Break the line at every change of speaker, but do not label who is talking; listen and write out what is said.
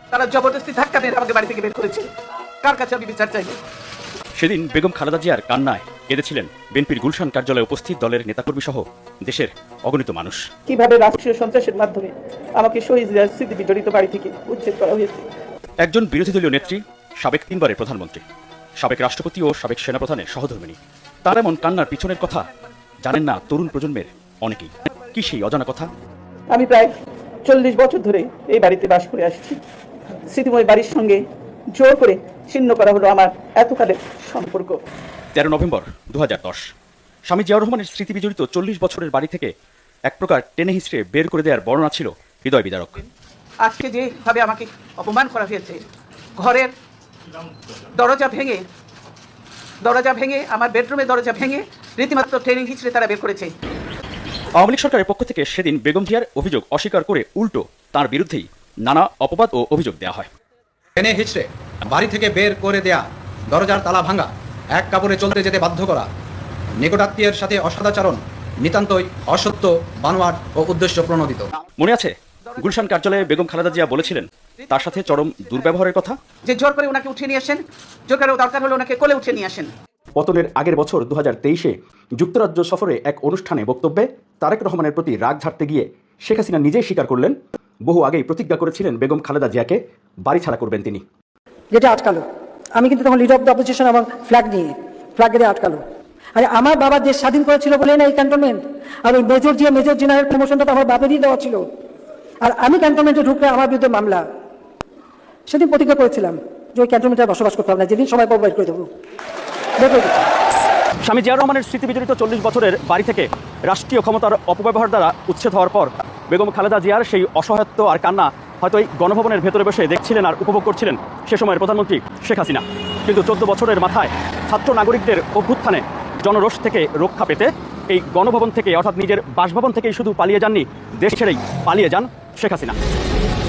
তারা জবরদস্তি ধাক্কা মেরে আমাকে বাড়ি থেকে বের করেছে। কার কাছে আমি বিচার চাইব?
সেদিন বেগম খালেদা জিয়ার কান্নায় কেঁদেছিলেন বিএনপির গুলশান কার্যালয়ে উপস্থিত দলের নেতাকর্মী সহ দেশের অগণিত মানুষ।
কিভাবে রাষ্ট্রীয় সন্ত্রাসের মাধ্যমে আমাকে শহীদ জিয়ার স্মৃতি বিজড়িত বাড়ি থেকে উচ্ছেদ করা হয়েছে।
একজন বিরোধী দলীয় নেত্রী, সাবেক 3 বারের প্রধানমন্ত্রী, সাবেক রাষ্ট্রপতি ও সাবেক সেনাপ্রধানের সহধর্মিণী, তার এমন কান্নার পিছনের কথা জানেন না তরুণ প্রজন্মের অনেকেই। কি সেই অজানা কথা?
আমি প্রায় 40 বছর ধরে এই বাড়িতে বাস করে আসছি। স্মৃতিময় বাড়ির সঙ্গে জোর করে ছিন্ন করা হলো আমার এতকালের সম্পর্ক।
13 নভেম্বর 2010 স্বামী জিয়াউর রহমানের স্মৃতি বিজড়িত 40 বছরের বাড়ি থেকে এক প্রকার টেনে হিঁচড়ে বের করে দেওয়ার বর্ণনা ছিল হৃদয় বিদারক।
আজকে যেভাবে আমাকে অপমান করা হয়েছে, ঘরের দরজা ভেঙে আমার বেডরুমের দরজা ভেঙে রীতিমাত্র ট্রেনিং হিসেবে তারা বের করেছে।
আওয়ামী লীগ সরকারের পক্ষ থেকে সেদিন বেগম জিয়ার অভিযোগ অস্বীকার করে উল্টো তার বিরুদ্ধেই নানা অপবাদ ও অভিযোগ দেওয়া হয়।
টেনে হিচড়ে বাড়ি থেকে বের করে দেয়া, দরজার তালা ভাঙা, এক কাপড়ে চলতে যেতে বাধ্য করা, নিকটাত্মীয়ের সাথে অসদাচরণ নিতান্তই অসত্য, বানোয়াট ও উদ্দেশ্য প্রণোদিত।
মনে আছে গুলশান কার্যালয়ে বেগম খালেদা জিয়া বলেছিলেন তার সাথে চরম দুর্ব্যবহারের কথা,
যে জোর করে ওনাকে উঠিয়ে নিয়ে আসেন, জোর করে দরকার হলে ওনাকে কোলে উঠিয়ে নিয়ে আসেন।
পতনের আগের বছর 2023-এ যুক্তরাজ্য সফরে এক অনুষ্ঠানে বক্তব্যে তারেক রহমানের প্রতি রাগ ঝাড়তে গিয়ে শেখ হাসিনা নিজেই স্বীকার করলেন বহু আগেই প্রতিজ্ঞা করেছিলেন বেগম খালেদা জিয়াকে বাড়ি ছাড়া করবেন তিনি।
যেটা আটকালো, আমি কিন্তু তখন লিডার অফ দ্য অপোজিশন আমার ফ্ল্যাগ দিয়ে আটকালো। আরে আমার বাবা দেশ স্বাধীন করেছিল বলে না এই ক্যান্টনমেন্ট, আর ওই মেজর জেনারেল প্রমোশনটা তো আমার বাপেরই দেওয়া ছিল। আর আমি ক্যান্টনমেন্টে ঢুকলে আমার বিরুদ্ধে মামলা। সেদিন প্রতিজ্ঞা করেছিলাম যে ওই ক্যান্টনমেন্টে বসবাস করতে হবে না, যেদিন সময় পাবো বের করে দেবো।
স্বামী জিয়াউর রহমানের স্মৃতি বিজড়িত 40 বছরের বাড়ি থেকে রাষ্ট্রীয় ক্ষমতার অপব্যবহার দ্বারা উচ্ছেদ হওয়ার পর বেগম খালেদা জিয়ার সেই অসহায়ত্ব আর কান্না হয়তো এই গণভবনের ভেতরে বসে দেখছিলেন আর উপভোগ করছিলেন সে সময়ের প্রধানমন্ত্রী শেখ হাসিনা। কিন্তু 14 বছরের মাথায় ছাত্র নাগরিকদের অভ্যুত্থানে জনরোষ থেকে রক্ষা পেতে এই গণভবন থেকে অর্থাৎ নিজের বাসভবন থেকেই শুধু পালিয়ে যাননি, দেশ ছেড়েই পালিয়ে যান শেখ হাসিনা।